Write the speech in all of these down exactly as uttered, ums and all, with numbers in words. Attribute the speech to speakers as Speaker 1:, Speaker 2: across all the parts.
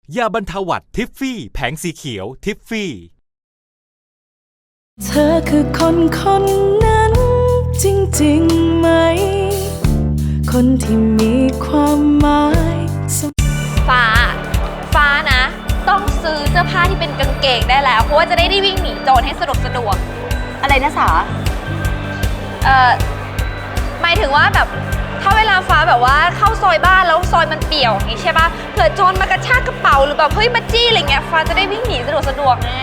Speaker 1: ยาบรรเทาหวัดทิฟฟี่แผงสีเขียวทิฟฟี่
Speaker 2: เธอคือคนคนนั้นจริงๆไหมคนที่มีความหมาย
Speaker 3: ฟ้าฟ้านะต้องซื้อเสื้อผ้าที่เป็นกางเกงได้แล้วเพราะว่าจะได้ได้วิ่งหนีโจรให้สะดวกสะดวกอะไรนะสาเอ่อหมายถึงว่าแบบถ้าเวลาฟ้าแบบว่าเข้าซอยบ้านแล้วซอยมันเปี่ยวอย่างนี้ใช่ป่ะเผื่อโจรมากระชากกระเป๋าหรือแบบเฮ้ยมาจี้อะไรเงี้ยฟ้าจะได้วิ่งหนีสะดวกสะดวกไง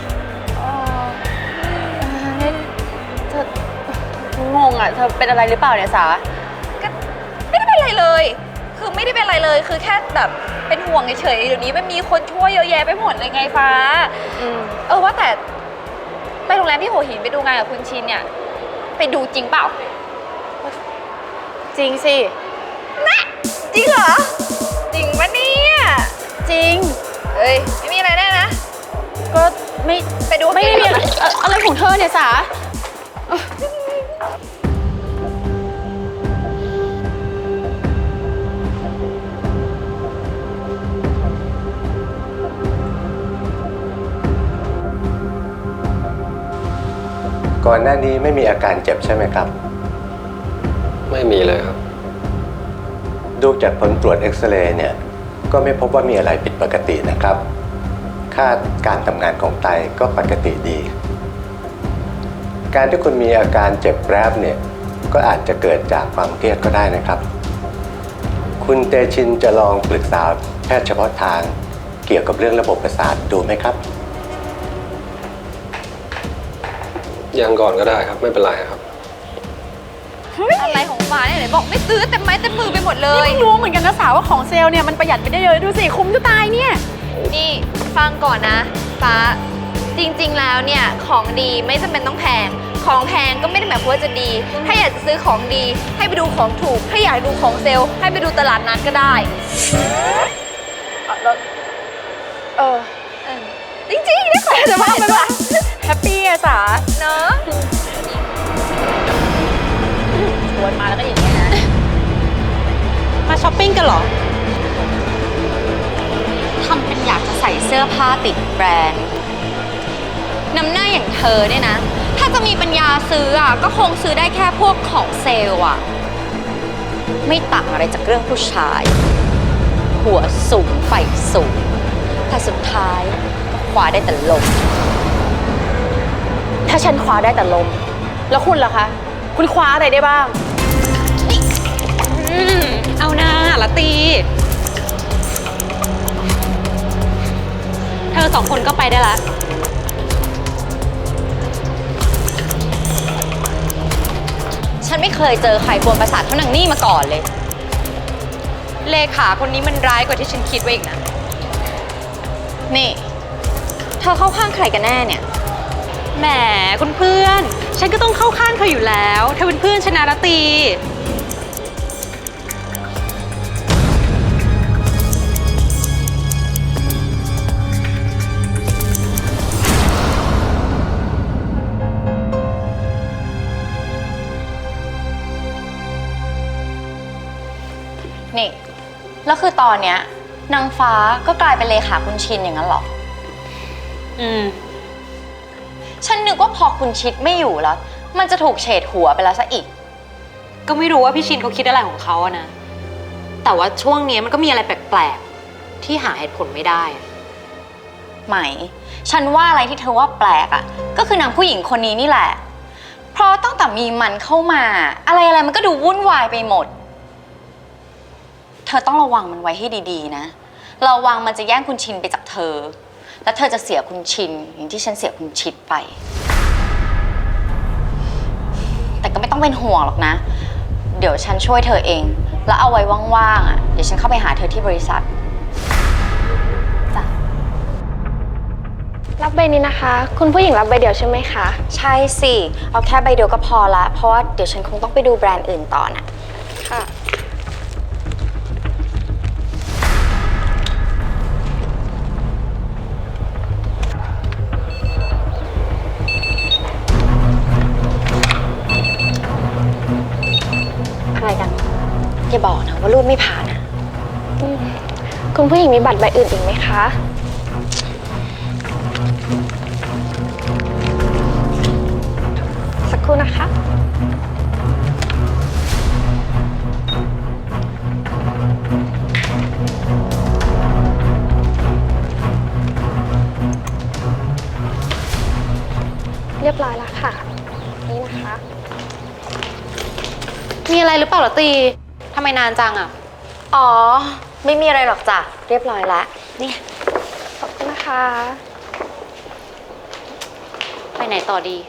Speaker 4: เธองงอ่ะเธอเป็นอะไรหรือเปล่าเนี่ยสา
Speaker 3: ก็ไม่ได้เป็นอะไรเลยคือไม่ได้เป็นอะไรเลยคือแค่แบบเป็นห่วงเฉยๆเดี๋ยวนี้มันมีคนช่วยเยอะแยะไปหมดเลยไงฟ้าเออว่าแต่ไปโรงแรมที่หัวหินไปดูงานกับคุณชินเนี่ยไปดูจริงเปล่า
Speaker 4: จริงสิ
Speaker 3: นะจริงเหรอจริงปะเนี่ย
Speaker 4: จริง
Speaker 3: เอ้ยไม่มีอะไรแน่นะ
Speaker 4: ก็ไม่
Speaker 3: ไปดู
Speaker 4: ไม่มีอะไรอะไรของเธอเนี่ยสา
Speaker 5: ก่อนหน้านี้ไม่มีอาการเจ็บใช่ไหมครับ
Speaker 6: ไม่มีเลยครับ
Speaker 5: ดูจากผลตรวจเอ็กซเรย์เนี่ยก็ไม่พบว่ามีอะไรผิดปกตินะครับค่าการทำงานของไตก็ปกติดีการที่คุณมีอาการเจ็บแปรบเนี่ยก็อาจจะเกิดจากความเครียดก็ได้นะครับคุณเตชินจะลองปรึกษาแพทย์เฉพาะทางเกี่ยวกับเรื่องระบบประสาทดูไหมครับ
Speaker 6: ยังก่อนก็ได้ครับไม่เป็นไรครับ
Speaker 3: อะไรของฟ้าเนี่ยไหนบอกไม่ซื้อเต็มไม้เต็มมือไปหมดเลย
Speaker 4: นี่ไม่รู้เหมือนกันนะสาวว่าของเซลล์เนี่ยมันประหยัดไปได้เยอะดูสิคุ้มจะตายเนี่ย
Speaker 3: นี่ฟังก่อนนะฟ้าจริงๆแล้วเนี่ยของดีไม่จำเป็นต้องแพงของแพงก็ไม่ได้หมายความว่าจะดีถ้าอยากจะซื้อของดีให้ไปดูของถูกถ้าอยากดูของเซลล์ให้ไปดูตลาดนัดก็ได้
Speaker 4: เออ
Speaker 3: จริงๆนี่ขอจะว่าไปว่า
Speaker 4: แฮปปี้อะสา
Speaker 3: เนอะ
Speaker 4: ชวนมาแล้วก็อย่างเงี้ยนะมาช้อปปิ้งกันเหรอ
Speaker 7: ทำเป็นอยากจะใส่เสื้อผ้าติดแบรนด์น้ำหน้าอย่างเธอเนี่ยนะถ้าจะมีปัญญาซื้ออ่ะก็คงซื้อได้แค่พวกของเซลล์อ่ะไม่ต่างอะไรจากเรื่องผู้ชายหัวสูงไฟสูงแต่สุดท้ายก็คว้าได้แต่ลม
Speaker 4: ถ้าฉันคว้าได้แต่ลมแล้วคุณล่ะคะคุณคว้าอะไรได้บ้าง
Speaker 7: อืมเอาหน้าละตีเธอสองคนก็ไปได้ละฉันไม่เคยเจอใครกวนประสาทเท่านางนี่มาก่อนเลยเลขาคนนี้มันร้ายกว่าที่ฉันคิดไว้อีกนะนี่เธอเข้าข้างใครกันแน่เนี่ยแหมคุณเพื่อนฉันก็ต้องเข้าข้างเธออยู่แล้วเธอเป็นเพื่อนชนะละตีนี่แล้วคือตอนเนี้ยนางฟ้าก็กลายเป็นเลขาคุณชินอย่างนั้นหรออืมฉันนึกว่าพอคุณชิดไม่อยู่แล้วมันจะถูกเฉดหัวไปแล้วซะอีกก็ไม่รู้ว่าพี่ชินเขาคิดอะไรของเขาอะนะแต่ว่าช่วงนี้มันก็มีอะไรแปลกๆที่หาเหตุผลไม่ได้ไหมฉันว่าอะไรที่เธอว่าแปลกอะก็คือนางผู้หญิงคนนี้นี่แหละเพราะตั้งแต่มีมันเข้ามาอะไรอะไรมันก็ดูวุ่นวายไปหมดเธอต้องระวังมันไว้ให้ดีๆนะระวังมันจะแย่งคุณชินไปจากเธอแล้วเธอจะเสียคุณชินอย่างที่ฉันเสียคุณชิดไปแต่ก็ไม่ต้องเป็นห่วงหรอกนะเดี๋ยวฉันช่วยเธอเองแล้วเอาไว้ว่างๆอ่ะเดี๋ยวฉันเข้าไปหาเธอที่บริษัทจ้ะ
Speaker 8: รับใบนี้นะคะคุณผู้หญิงรับใบเดียวใช่ไหมคะ
Speaker 7: ใช่สิเอาแค่ใบเดียวก็พอละเพราะว่าเดี๋ยวฉันคงต้องไปดูแบรนด์อื่นต่อน่ะ
Speaker 8: ค่ะ
Speaker 7: อะไรกันอย่าบอกนะว่ารูดไม่ผ่านอ่ะ
Speaker 8: คุณผู้หญิงมีบัตรใบอื่นอีกไหมคะ สักครู่นะคะ เรียบร้อยแล้วค่ะ นี่นะคะ
Speaker 7: มีอะไรหรือเปล่าเหรอตีทำไมนานจังอ่ะ อ๋อ ไม่มีอะไรหรอกจ้ะ เรียบร้อยแล้วนี่
Speaker 8: ขอบคุณนะคะ
Speaker 7: ไปไหนต่อดี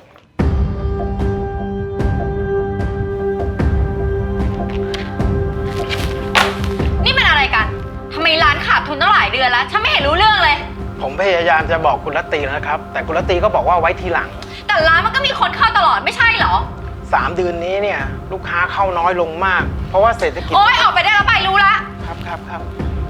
Speaker 7: นี่มันอะไรกัน ทำไมร้านขาดทุนตั้งหลายเดือนแล้ว ฉันไม่เห็นรู้เรื่องเลย
Speaker 9: ผมพยายามจะบอกคุณรัตตีนะครับ แต่คุณรัตตีก็บอกว่าไว้ทีหลัง
Speaker 7: แต่ร้านมันก็มีคนเข้าตลอดไม่ใช่เหรอ
Speaker 9: สามเดือนนี้เนี่ยลูกค้าเข้าน้อยลงมาก เพราะว่าเศรษฐกิจ
Speaker 7: โอ๊ย ออกไปได้แล้วไปรู้ละ
Speaker 9: ครับครับครับ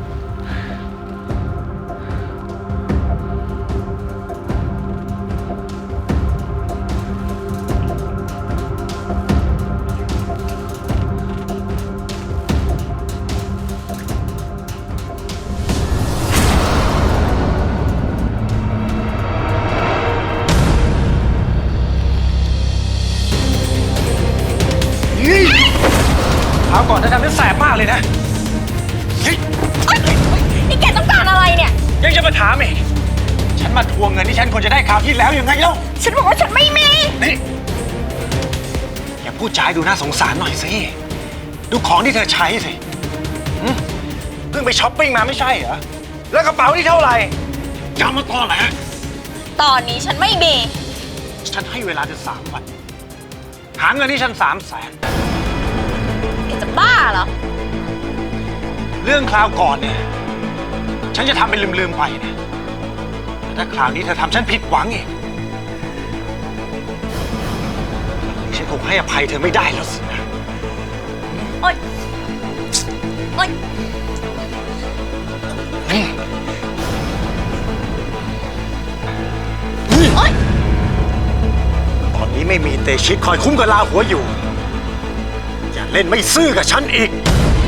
Speaker 10: คราวก่อนเธอทำได้แสบมากเลยนะเฮ้ย
Speaker 7: นี่แกต้องการอะไรเนี่ย
Speaker 10: ยังจะมาถามอีกฉันมาทวงเงินที่ฉันควรจะได้คราวที่แล้วยังไงเล่า
Speaker 7: ฉันบอกว่าฉันไม่มี
Speaker 10: นี่อย่าพูดจาให้ดูน่าสงสารหน่อยสิ ดูของที่เธอใช้สิหึเพิ่งไปช้อปปิ้งมาไม่ใช่เหรอ แล้วกระเป๋าที่เท่าไหร่จำมาตอนไหน
Speaker 7: ตอนนี้ฉันไม่มี
Speaker 10: ฉันให้เวลาเธอสามวัน หาเงินที่ฉันสามแสน
Speaker 7: แกจะบ้าเหรอ
Speaker 10: เรื่องคราวก่อนเนี่ย ฉันจะทำเป็นลืมๆไปนะแต่ถ้าคราวนี้เธอทำฉันผิดหวังอีก ฉันคงให้อภัยเธอไม่ได้แล้วสินะ
Speaker 7: โอ๊ย โอ๊ย โอ๊ย
Speaker 10: ตอนนี้ไม่มีเตชิตคอยคุ้มกับลาหัวอยู่ อย่าเล่นไม่ซื่อกับฉันอีก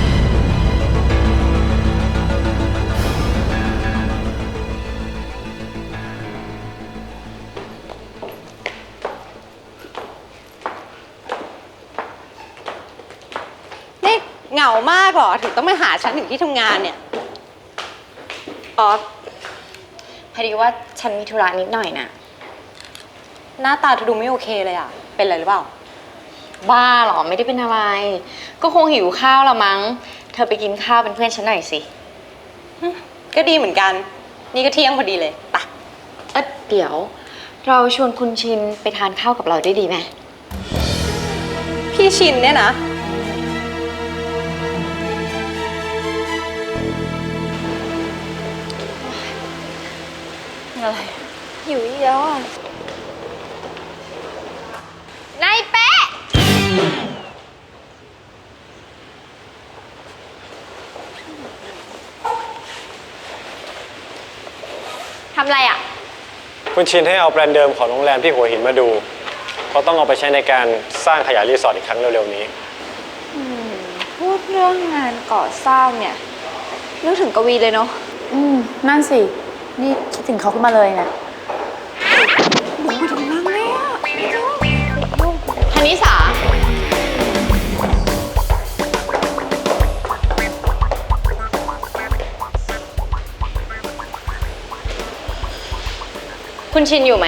Speaker 4: นี่เหงามากเหรอ ถึงต้องมาหาฉันถึงที่ทำงานเนี่ย
Speaker 7: อ๋อ พอดีว่าฉันมีธุระนิดหน่อยนะ
Speaker 4: หน้าตาเธอดูไม่โอเคเลยอ่ะ เป็นอะไรหรือเปล่า
Speaker 7: บ้าเหรอ ไม่ได้เป็นอะไร ก็คงหิวข้าวละมั้ง เธอไปกินข้าวเป็นเพื่อนฉันหน่อยสิ
Speaker 4: ก็ดีเหมือนกัน นี่ก็เที่ยงพอดีเลยไป
Speaker 7: เอ๊ะเดี๋ยว เราชวนคุณชินไปทานข้าวกับเราได้ดีไหม
Speaker 4: พี่ชินเนี่ยนะ
Speaker 7: อะไร
Speaker 8: หิวอีกแล้วอ่ะ
Speaker 7: นายเป๊ะ ทำอะไรอ่ะ
Speaker 6: คุณชินให้เอาแบรนด์เดิมของโรงแรมที่หัวหินมาดู เพราะต้องเอาไปใช้ในการสร้างขยายรีสอร์ทอีกครั้งเร็วๆนี้
Speaker 3: พูดเรื่องงานก่อสร้างเนี่ยนึกถึงกวีเลยเนาะ
Speaker 4: อืม นั่นสิ นี่คิดถึงเขาขึ้นมาเลยนะ
Speaker 7: ธนิสา คุณชินอยู่ไหม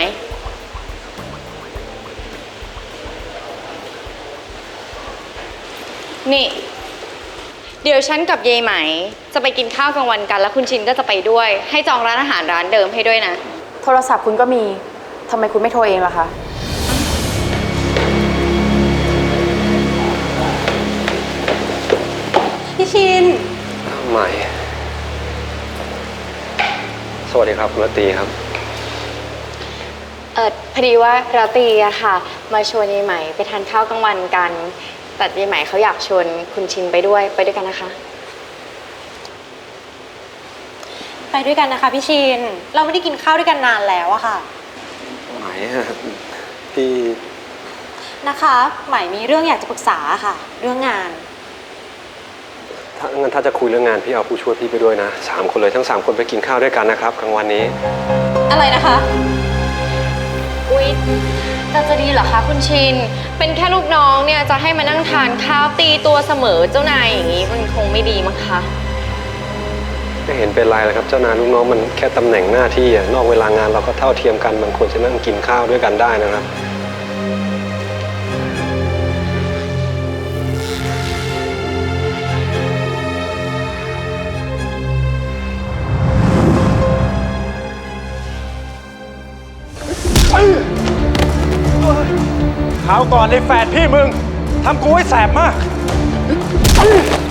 Speaker 7: นี่ เดี๋ยวฉันกับเยายไหม จะไปกินข้าวกลางวันกัน แล้วคุณชินก็จะไปด้วย ให้จองร้านอาหารร้านเดิมให้ด้วยนะ
Speaker 4: โทรศัพท์คุณก็มี ทำไมคุณไม่โทรเองล่ะคะ พี่ชิน
Speaker 6: ใหม่ สวัสดีครับคุณรัตตีครับ
Speaker 7: เออพอดีว่าราตรีอะค่ะ มาชวนยายไหมไปทานข้าวกลางวันกัน แต่ยายไหมเขาอยากชวนคุณชินไปด้วย ไปด้วยกันนะคะ
Speaker 4: ไปด้วยกันนะคะพี่ชิน เราไม่ได้กินข้าวด้วยกันนานแล้วอะค่ะ
Speaker 6: ไหมอะพี่
Speaker 4: นะคะ ใหม่มีเรื่องอยากจะปรึกษาค่ะ เรื่องงาน
Speaker 6: ถถ้างั้นถ้าจะคุยเรื่องงานพี่เอาผู้ช่วยพี่ไปด้วยนะสามคนเลยทั้งสามคนไปกินข้าวด้วยกันนะครับกลางวันนี้
Speaker 7: อะไรนะคะ อุ๊ยแต่จะดีเหรอคะคุณชิน เป็นแค่ลูกน้องเนี่ยจะให้มานั่งทานข้าวตีตัวเสมอเจ้านายอย่างนี้มันคงไม่ดีมั้งคะ
Speaker 6: ไม่เห็นเป็นไรเลยครับเจ้านายลูกน้องมันแค่ตำแหน่งหน้าที่อะนอกเวลางานเราก็เท่าเทียมกันมันควรจะนั่งกินข้าวด้วยกันได้นะครับ
Speaker 10: คราวก่อนในแฝดพี่มึงทำกูให้แสบมาก